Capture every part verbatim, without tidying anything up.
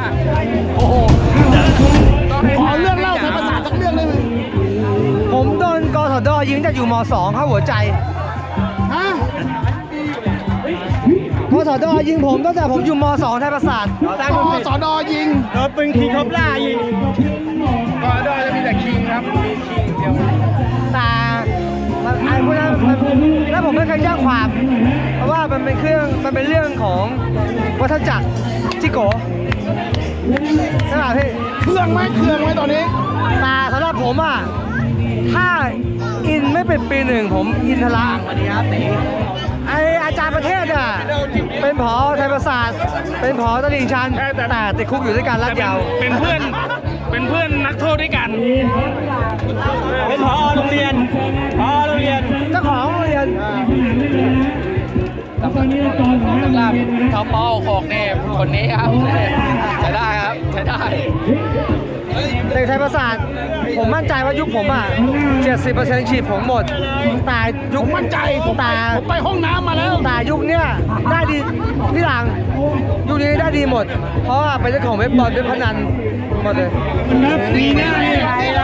โอ้โหขอเรื่องเล่าไทยประสาทสักเรื่องได้ไหมผมโดนกสดยิงแต่อยู่มสองเข้าหัวใจฮะกสดยิงผมตั้งแต่ผมอยู่มสองไทยประสาทกสดยิงโดนปืนคิงคบล่ายิงกสดจะมีแต่คิงครับมีคิงเดียวแต่มันไอ้พวกนั้นมันแล้วผมไม่เคยแจ้งความ เพราะว่ามันเป็นเครื่องมันเป็นเรื่องของวัฏจักรจิโกะใช่ไหมพี่เครื่องไหมเครื่องไหมตอนนี้แต่สำหรับผมอ่ะถ้าอินไม่เป็นปีหนึ่งผมอินทละสวัสดีครับไออาจารย์ประเทศอ่ะเป็นผอไทยประสาทเป็นผอตลิ่งชันแต่ติดคุกอยู่ด้วยกันรัดยาวเป็นเพื่อนเป็นเพื่อนนักโทษด้วยกันเป็นผอโรงเรียนผอโรงเรียนเจ้าของโรงเรียนสำหรับท็อปปอหกเนี่ยคนนี้ครับใช้ได้ครับใช้ได้เด็กไทยประสาทผมมั่นใจว่ายุคผมอ่ะ เจ็ดสิบเปอร์เซ็นต์ ฉีดผมหมดแต่ยุผคมมั่นใจผมไปแต่ผมไปห้องน้ำมาแล้วแต่ยุคเนี้ยได้ดีพี่หลังยุคนี้ได้ดีหมด เพราะว่าเป็นเจ้าของเว็บบอลเว็บพนันหมดเลยดีแน่เลย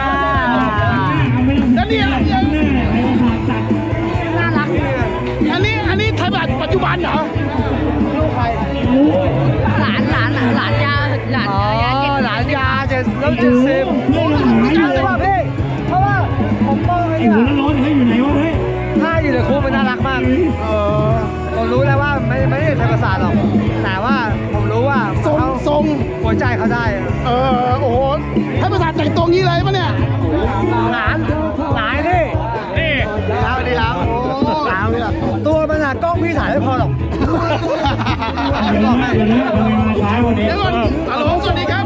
แล้วนี่น่ารักอันนี้อันนี้ไทยแบบปัจจุบันเหรอหลานหลานหลานยาหลานอ๋อยาเจ็ดหลานยาเจ็ดแล้วเจ็ดสิบใช่ป่ะพี่เพราะว่าผมมองไอ้เนี่ยถ้าอยู่ในคุกมันน่ารักมากเออผมรู้แล้วว่าไม่ไม่ได้ไทยประสาทหรอกแต่ว่าผมรู้ว่าทรงเขาทรงหัวใจเขาได้เออโอ้โหไทยประสาทแต่งตัวงี้เลยปะเนี่ยหลานหลานนี่นี่ดีแล้วดีแล้วโอ้หลานเลยตัวมันอะกล้องพี่ถ่ายไม่พอหรอกบอกให้เดี๋ยวก่อนฮัลโหลสวัสดีครับ